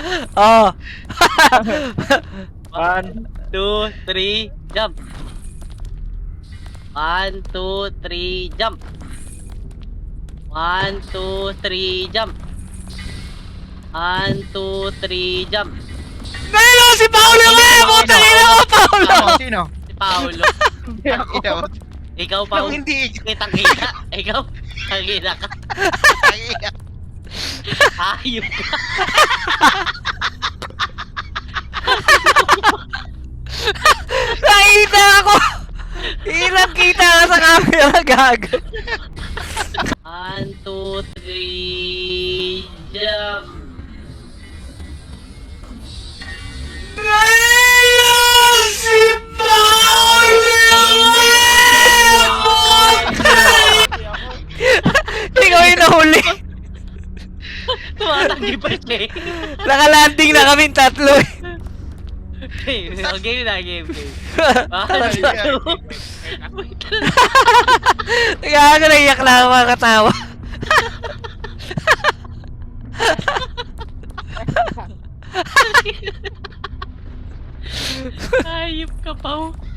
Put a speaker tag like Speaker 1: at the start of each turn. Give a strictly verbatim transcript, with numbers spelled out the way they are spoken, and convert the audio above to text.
Speaker 1: Oh.
Speaker 2: One, two, three, jump. One, two, three, jump. One, two, three, jump. One, two, three, jump.
Speaker 1: Nahilo si Paolo nga! Puta ina mo, Paolo!
Speaker 3: Ako, sino?
Speaker 2: Si Paolo.
Speaker 3: Hindi ako.
Speaker 2: Ikaw,
Speaker 3: Ako
Speaker 2: Paolo.
Speaker 3: hindi.
Speaker 2: Kitang-kita. Ikaw, kitang-kita ka. Ayop ka.
Speaker 1: Nakita ako! Ilang kita ka sa camera, gag.
Speaker 2: One, two, three, jump.
Speaker 1: Nahilo si Paolo! Ikaw yung nahuli.
Speaker 2: Tumatanggi pa siya eh.
Speaker 1: Nakalanding na kami tatlo eh.
Speaker 2: Game na, game na, game, game.
Speaker 1: Kaya ako naiyak na ako makatawa.
Speaker 2: Ayop ka, Pao.